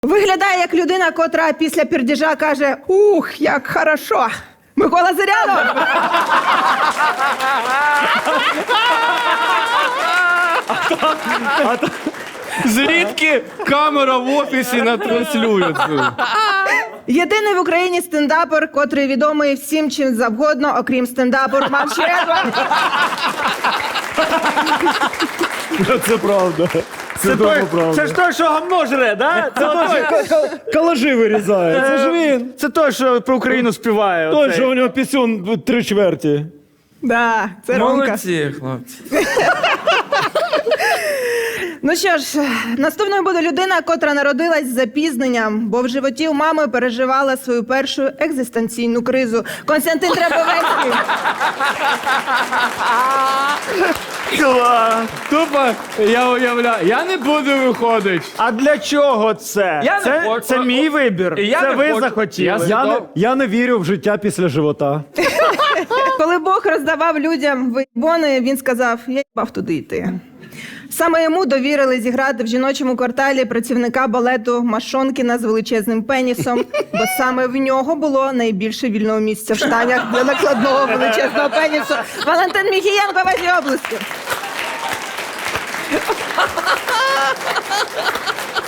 Виглядає як людина, котра після пердіжа каже: «Ух, як хорошо!» Микола Зирянов! Звідки камера в офісі натранслює це? Єдиний в Україні стендапер, котрий відомий всім чим завгодно, окрім стендапу, Роман Щерба. Це правда. Це дуже правда. Це ж той, що гамно жре, да? Це той, Калажі вирізає. Це ж він. це той, що про Україну співає. Той, оцей. що у нього пісюн 3/4. Да, це Ромка. Молодці, хлопці. Ну що ж, наступною буде людина, котра народилась з запізненням, бо в животі у мами переживала свою першу екзистенційну кризу. Константин Требовецький. Клас. Тупо, я уявляю, я не буду виходити. А для чого це? Я не хочу. Це мій вибір. І я Це не ви хочу. захотіли. Я не вірю в життя після живота. Коли Бог роздавав людям вибони, він сказав: «Я їбав туди йти». Саме йому довірили зіграти в жіночому кварталі працівника балету Машонкіна з величезним пенісом, бо саме в нього було найбільше вільного місця в штанях для накладного величезного пенісу. Валентин Міхієнко, ваші обласки.